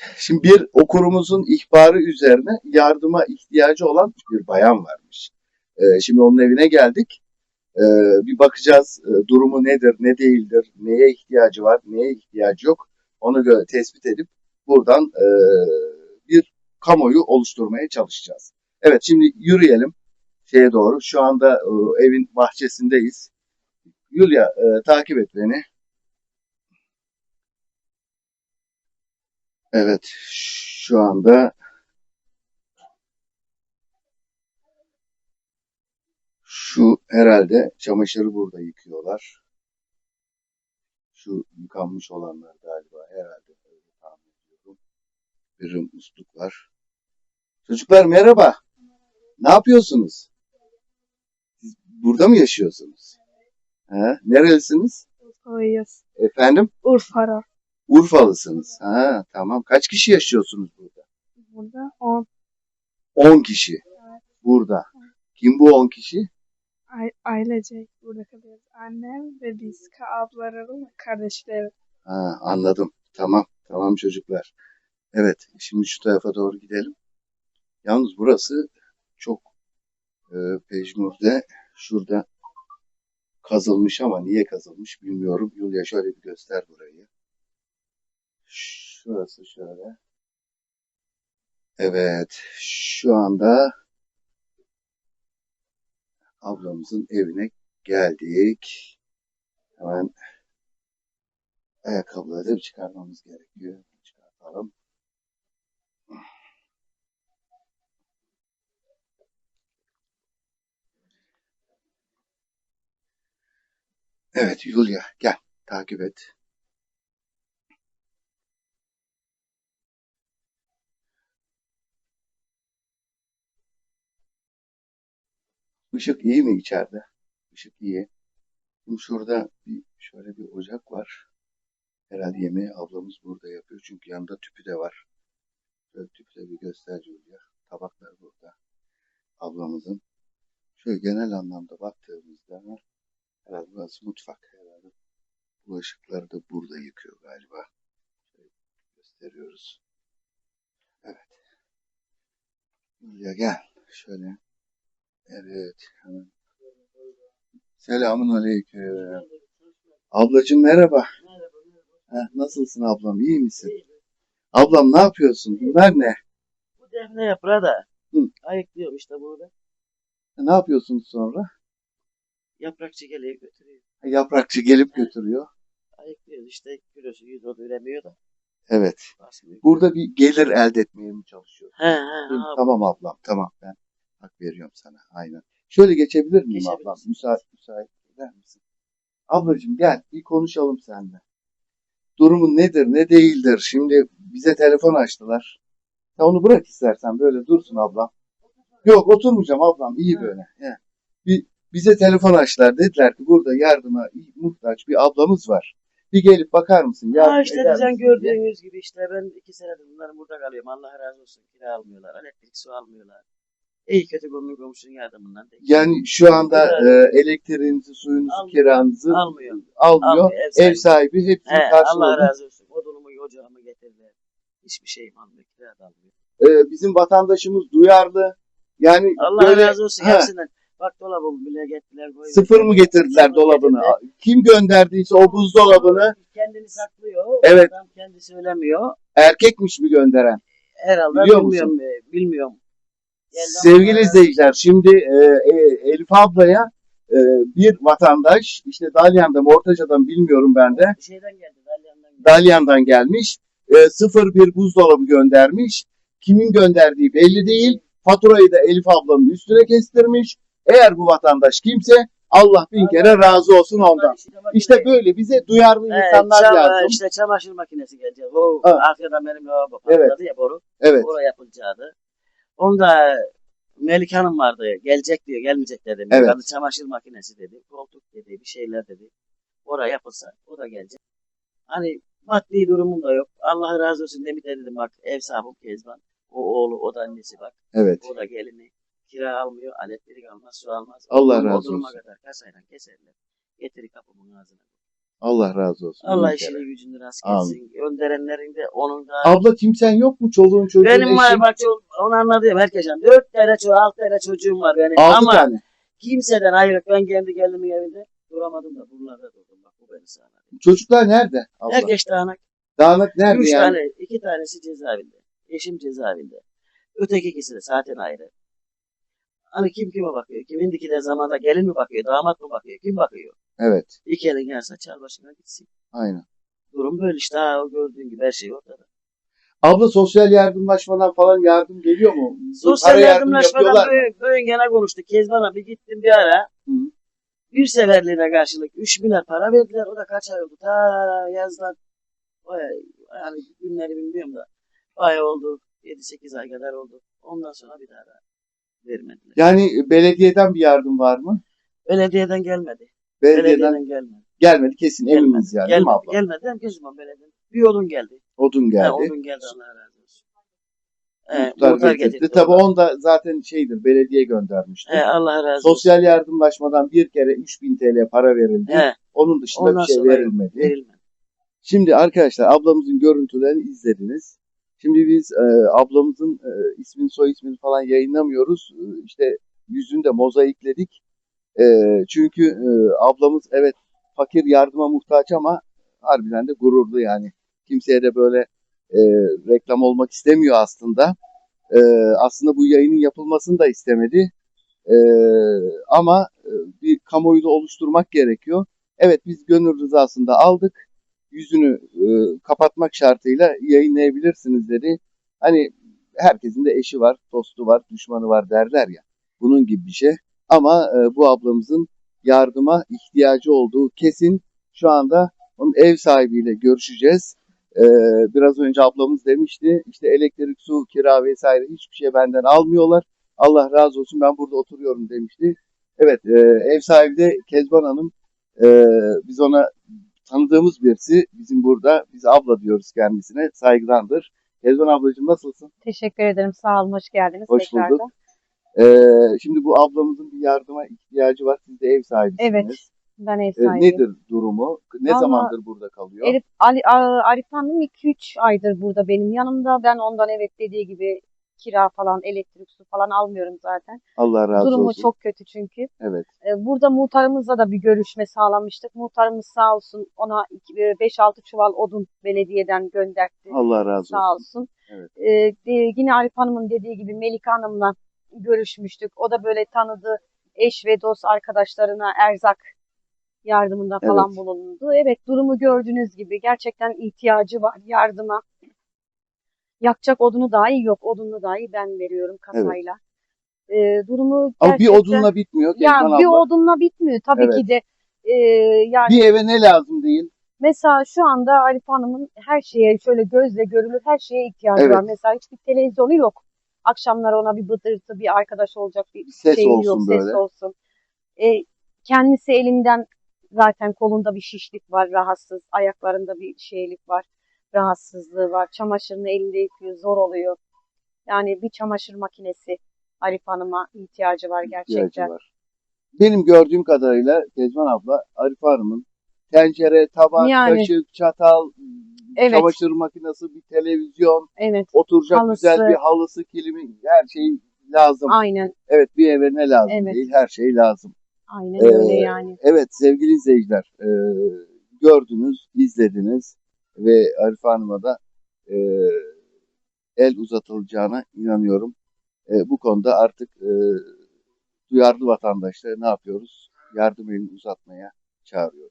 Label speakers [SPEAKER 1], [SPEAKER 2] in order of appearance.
[SPEAKER 1] Şimdi bir okurumuzun ihbarı üzerine yardıma ihtiyacı olan bir bayan varmış. Şimdi onun evine geldik. Bir bakacağız durumu nedir, ne değildir, neye ihtiyacı var, neye ihtiyacı yok. Onu göre tespit edip buradan bir kamuoyu oluşturmaya çalışacağız. Evet, şimdi yürüyelim şeye doğru. Şu anda evin bahçesindeyiz. Yulia, takip et beni. Evet, şu anda şu herhalde çamaşırı burada yıkıyorlar. Şu yıkanmış olanlar galiba herhalde öyle tahmin ediyorum. Bir musluk var. Çocuklar merhaba. Ne yapıyorsunuz? Siz burada mı yaşıyorsunuz? Ha, nerelisiniz?
[SPEAKER 2] Urfalıyız.
[SPEAKER 1] Efendim?
[SPEAKER 2] Urfa.
[SPEAKER 1] Urfalısınız. Ha, tamam. Kaç kişi yaşıyorsunuz burada?
[SPEAKER 2] Burada 10
[SPEAKER 1] 10 kişi. Burada. Kim bu 10 kişi?
[SPEAKER 2] ailecek burada kalıyoruz. Annem ve biz ablalarım ve kardeşlerim.
[SPEAKER 1] Ha, anladım. Tamam. Tamam çocuklar. Evet. Şimdi şu tarafa doğru gidelim. Yalnız burası çok pejmürde. Şurada kazılmış ama niye kazılmış bilmiyorum. Yulia şöyle bir göster burayı. Şurası şöyle. Evet. Şu anda ablamızın evine geldik. Hemen ayakkabıları da çıkarmamız gerekiyor. Çıkartalım. Evet Yulia gel takip et. Işık iyi mi içeride? Işık iyi. Şimdi şurada şöyle bir ocak var. Herhalde yemeği ablamız burada yapıyor. Çünkü yanında tüpü de var. Şöyle tüpü de bir göster Yulia. Tabaklar burada. Ablamızın. Şöyle genel anlamda baktığımızda herhalde burası mutfak herhalde. Bulaşıkları da burada yıkıyor galiba. Şöyle gösteriyoruz. Evet. Yulia gel. Şöyle. Evet. Hemen. Selamun aleyküm. Ablacığım merhaba. Nasılsın ablam? İyi misin? Ablam ne yapıyorsun? Bunlar ne?
[SPEAKER 3] Bu defne yaprağı da
[SPEAKER 1] Hı.
[SPEAKER 3] ayıklıyorum işte burada.
[SPEAKER 1] Ne yapıyorsunuz sonra?
[SPEAKER 3] Yaprakçı geliyor götürüyor.
[SPEAKER 1] Yaprakçı gelip götürüyor.
[SPEAKER 3] Ayıklıyoruz işte kilosu 100 o da üremiyor da.
[SPEAKER 1] Evet.
[SPEAKER 3] Basmıyor.
[SPEAKER 1] Burada bir gelir elde etmeye mi çalışıyorsun?
[SPEAKER 3] He
[SPEAKER 1] Tamam ablam tamam ben hak veriyorum sana aynen. Şöyle geçebilir miyim ablam?
[SPEAKER 3] Geçebilirsin.
[SPEAKER 1] Müsait eder misin? Ablacığım gel bir konuşalım seninle. Durumun nedir ne değildir? Şimdi bize telefon açtılar. Ya onu bırak istersen böyle dursun ablam. Yok oturmayacağım ablam iyi böyle. He. Bize telefon açtılar. Dediler ki burada yardıma muhtaç bir ablamız var. Bir gelip bakar mısın? Yardım
[SPEAKER 3] İşte
[SPEAKER 1] eder
[SPEAKER 3] bizden
[SPEAKER 1] misin diye.
[SPEAKER 3] gördüğünüz gibi işte ben 2 senedir bunların burada kalıyorum. Allah razı olsun. Kira almıyorlar. Elektrik su almıyorlar. İyi kötü komşunun yardımından değil.
[SPEAKER 1] Yani şu anda elektriğinizi, suyunuzu,
[SPEAKER 3] Almıyor.
[SPEAKER 1] kiranızı
[SPEAKER 3] Almıyor.
[SPEAKER 1] almıyor. Ev sahibi hepsini
[SPEAKER 3] Allah
[SPEAKER 1] karşıladı.
[SPEAKER 3] razı olsun. Odunumu, ocağımı getirdiler. Hiçbir şeyim almıyor. Kira da almıyor.
[SPEAKER 1] Bizim vatandaşımız duyarlı. Yani
[SPEAKER 3] Allah
[SPEAKER 1] böyle
[SPEAKER 3] razı olsun hepsinden. Bak dolabımı bile getirdiler.
[SPEAKER 1] sıfır mı getirdiler dolabını? Kim gönderdiyse o buzdolabını
[SPEAKER 3] Kendini saklıyor.
[SPEAKER 1] Evet.
[SPEAKER 3] Adam kendi söylemiyor.
[SPEAKER 1] erkekmiş mi gönderen?
[SPEAKER 3] Herhalde
[SPEAKER 1] Biliyor
[SPEAKER 3] bilmiyorum. Bilmiyorum.
[SPEAKER 1] Sevgili izleyiciler, şimdi Elif ablaya bir vatandaş işte Dalyan'dan, Ortaca'dan bilmiyorum ben de
[SPEAKER 3] Şeyden geldi. Dalyan'dan geldi.
[SPEAKER 1] Dalyan'dan gelmiş. 01 buzdolabı göndermiş. Kimin gönderdiği belli değil. Faturayı da Elif ablanın üstüne kestirmiş. Eğer bu vatandaş kimse Allah bin kere razı olsun ondan. İşte böyle bize duyarlı insanlar lazım.
[SPEAKER 3] İşte çamaşır makinesi gelecek. O
[SPEAKER 1] Ha.
[SPEAKER 3] arkadan benim lavabo patladı ya boru.
[SPEAKER 1] Evet.
[SPEAKER 3] Oraya yapılacaktı. Onda Melike Hanım vardı. Gelecek diyor. Gelmeyecek dedim.
[SPEAKER 1] Evet.
[SPEAKER 3] Yani çamaşır makinesi dedi. Koltuk dedi. Bir şeyler dedi. Oraya yapılsa o da gelecek. Hani maddi durumum da yok. Allah razı olsun Demet dedim bak ev sahibim Kezban. O oğlu o da annesi bak.
[SPEAKER 1] Evet.
[SPEAKER 3] O da gelini. Kira almıyor. Elektrik almaz. Su almaz.
[SPEAKER 1] Allah
[SPEAKER 3] O
[SPEAKER 1] razı
[SPEAKER 3] duruma
[SPEAKER 1] olsun.
[SPEAKER 3] kadar kasayla keserler. Getirir kapımın ağzına.
[SPEAKER 1] Allah razı olsun.
[SPEAKER 3] Allah
[SPEAKER 1] bin kere.
[SPEAKER 3] işini gücünü rast
[SPEAKER 1] Amin.
[SPEAKER 3] etsin. Gönderenlerin de onun da.
[SPEAKER 1] Abla kimsen yok mu? Çoluğun çocuğun
[SPEAKER 3] Benim var
[SPEAKER 1] eşin?
[SPEAKER 3] bak onu anladım herkesten. 4 tane çocuğum, 6 tane çocuğum var benim.
[SPEAKER 1] 6
[SPEAKER 3] Ama
[SPEAKER 1] tane.
[SPEAKER 3] kimseden ayrı. Ben kendi geldiğimin evinde duramadım da buralarda durdum. Bak bu beni sağladı.
[SPEAKER 1] Çocuklar nerede abla?
[SPEAKER 3] Herkes dağınak.
[SPEAKER 1] Dağınık nerede
[SPEAKER 3] 3
[SPEAKER 1] yani?
[SPEAKER 3] tane, 2 tanesi cezaevinde. Eşim cezaevinde. Öteki ikisi de zaten ayrı. Hani kim kime bakıyor? Kimindiki de zamanda gelin mi bakıyor, damat mı bakıyor, kim bakıyor?
[SPEAKER 1] Evet.
[SPEAKER 3] İki elin yerse çal başına gitsin.
[SPEAKER 1] Aynen.
[SPEAKER 3] Durum böyle işte. Ha, o gördüğün gibi her şey ortada.
[SPEAKER 1] Abla sosyal yardımlaşmadan falan yardım geliyor mu?
[SPEAKER 3] Sosyal
[SPEAKER 1] Para yardım
[SPEAKER 3] yardımlaşmadan
[SPEAKER 1] yapıyorlar mı?
[SPEAKER 3] böyle gene konuştuk. Kezban abi gittim bir ara.
[SPEAKER 1] Hı.
[SPEAKER 3] Bir seferliğine karşılık 3 milyar para verdiler. O da kaç ay oldu? Ta yazdan. Yani günleri bilmiyorum da. Bayağı oldu. 7-8 ay kadar oldu. Ondan sonra bir daha vermediler.
[SPEAKER 1] Yani belediyeden bir yardım var mı?
[SPEAKER 3] Belediyeden gelmedi.
[SPEAKER 1] Belediyeden
[SPEAKER 3] Gelmedi.
[SPEAKER 1] gelmedi kesin eminiz yani değil mi
[SPEAKER 3] Gelmedi.
[SPEAKER 1] abla?
[SPEAKER 3] Gelmedi. Hem kesin belediyeden. Bir odun geldi.
[SPEAKER 1] Odun geldi.
[SPEAKER 3] Odun geldi Allah razı olsun.
[SPEAKER 1] Muhtar getirdi. Tabii
[SPEAKER 3] onlar.
[SPEAKER 1] onu da zaten şeydir belediye göndermişti.
[SPEAKER 3] Allah razı olsun.
[SPEAKER 1] Sosyal yardımlaşmadan bir kere 3000 TL para verildi. Onun dışında
[SPEAKER 3] Ondan
[SPEAKER 1] bir şey
[SPEAKER 3] sonra
[SPEAKER 1] verilmedi.
[SPEAKER 3] verilmedi.
[SPEAKER 1] Şimdi arkadaşlar ablamızın görüntülerini izlediniz. Şimdi biz ablamızın ismini soy ismini falan yayınlamıyoruz. İşte yüzünü de mozaikledik. Çünkü ablamız evet fakir yardıma muhtaç ama harbiden de gururlu yani. Kimseye de böyle reklam olmak istemiyor aslında. Aslında bu yayının yapılmasını da istemedi. Ama bir kamuoyu da oluşturmak gerekiyor. Evet biz gönül rızasında aldık. Yüzünü kapatmak şartıyla yayınlayabilirsiniz dedi. Hani herkesin de eşi var, dostu var, düşmanı var derler ya. Bunun gibi bir şey. Ama bu ablamızın yardıma ihtiyacı olduğu kesin. Şu anda onun ev sahibiyle görüşeceğiz. Biraz önce ablamız demişti işte elektrik, su, kira vesaire hiçbir şey benden almıyorlar. Allah razı olsun ben burada oturuyorum demişti. Evet ev sahibi de Kezban Hanım. Biz ona tanıdığımız birisi bizim burada. Biz abla diyoruz kendisine. Saygıdandır. Kezban ablacığım nasılsın?
[SPEAKER 4] Teşekkür ederim. Sağ olun. Hoş geldiniz
[SPEAKER 1] Hoş
[SPEAKER 4] tekrardan.
[SPEAKER 1] bulduk. Şimdi bu ablamızın bir yardıma ihtiyacı var. Siz de ev sahibisiniz.
[SPEAKER 4] Evet. Ben ev sahibiyim.
[SPEAKER 1] Nedir durumu? Ne
[SPEAKER 4] Vallahi
[SPEAKER 1] zamandır burada kalıyor?
[SPEAKER 4] Arif Hanım 2-3 aydır burada benim yanımda. Ben ondan evet dediği gibi kira falan, elektrik, su falan almıyorum zaten.
[SPEAKER 1] Allah razı
[SPEAKER 4] Durumu
[SPEAKER 1] olsun.
[SPEAKER 4] çok kötü çünkü.
[SPEAKER 1] Evet.
[SPEAKER 4] Burada muhtarımızla da bir görüşme sağlamıştık. Muhtarımız sağ olsun ona 5-6 çuval odun belediyeden gönderdi.
[SPEAKER 1] Allah razı olsun.
[SPEAKER 4] Sağ olsun.
[SPEAKER 1] Evet.
[SPEAKER 4] Yine Arif Hanım'ın dediği gibi Melika Hanım'la görüşmüştük. O da böyle tanıdığı eş ve dost arkadaşlarına erzak yardımında falan
[SPEAKER 1] Evet.
[SPEAKER 4] bulundu. Evet durumu gördüğünüz gibi gerçekten ihtiyacı var yardıma. Yakacak odunu dahi yok. Odunu dahi ben veriyorum kasayla. Durumu
[SPEAKER 1] Ama bir
[SPEAKER 4] gerçekten
[SPEAKER 1] odunla bitmiyor
[SPEAKER 4] ya
[SPEAKER 1] Kezban
[SPEAKER 4] bir
[SPEAKER 1] abla.
[SPEAKER 4] odunla bitmiyor tabii
[SPEAKER 1] Evet.
[SPEAKER 4] ki de. Yani
[SPEAKER 1] Bir eve ne lazım değil?
[SPEAKER 4] mesela şu anda Arif Hanım'ın her şeye şöyle gözle görülür her şeye ihtiyacı
[SPEAKER 1] Evet.
[SPEAKER 4] var. Mesela hiçbir televizyonu yok. Akşamlar ona bir bıdırtı, bir arkadaş olacak bir
[SPEAKER 1] Ses
[SPEAKER 4] şeyi
[SPEAKER 1] olsun
[SPEAKER 4] yok,
[SPEAKER 1] böyle.
[SPEAKER 4] ses olsun. Kendisi elinden zaten kolunda bir şişlik var, rahatsız. Ayaklarında bir şeylik var, rahatsızlığı var. Çamaşırını elinde yıkıyor, zor oluyor. Yani bir çamaşır makinesi Arif Hanım'a ihtiyacı var gerçekten.
[SPEAKER 1] İhtiyacı var. Benim gördüğüm kadarıyla Kezban abla Arif Hanım'ın tencere, tabak,
[SPEAKER 4] Yani
[SPEAKER 1] kaşık, çatal,
[SPEAKER 4] evet,
[SPEAKER 1] çamaşır makinesi, bir televizyon,
[SPEAKER 4] evet,
[SPEAKER 1] oturacak
[SPEAKER 4] halısı,
[SPEAKER 1] güzel bir halısı, kilimi, her şey lazım.
[SPEAKER 4] aynen,
[SPEAKER 1] Evet bir eve ne lazım
[SPEAKER 4] evet,
[SPEAKER 1] değil, her şey lazım.
[SPEAKER 4] aynen öyle yani.
[SPEAKER 1] Evet sevgili izleyiciler, gördünüz, izlediniz ve Arif Hanım'a da e, el uzatılacağına inanıyorum. Bu konuda artık duyarlı vatandaşları ne yapıyoruz? Yardım elini uzatmaya çağırıyoruz.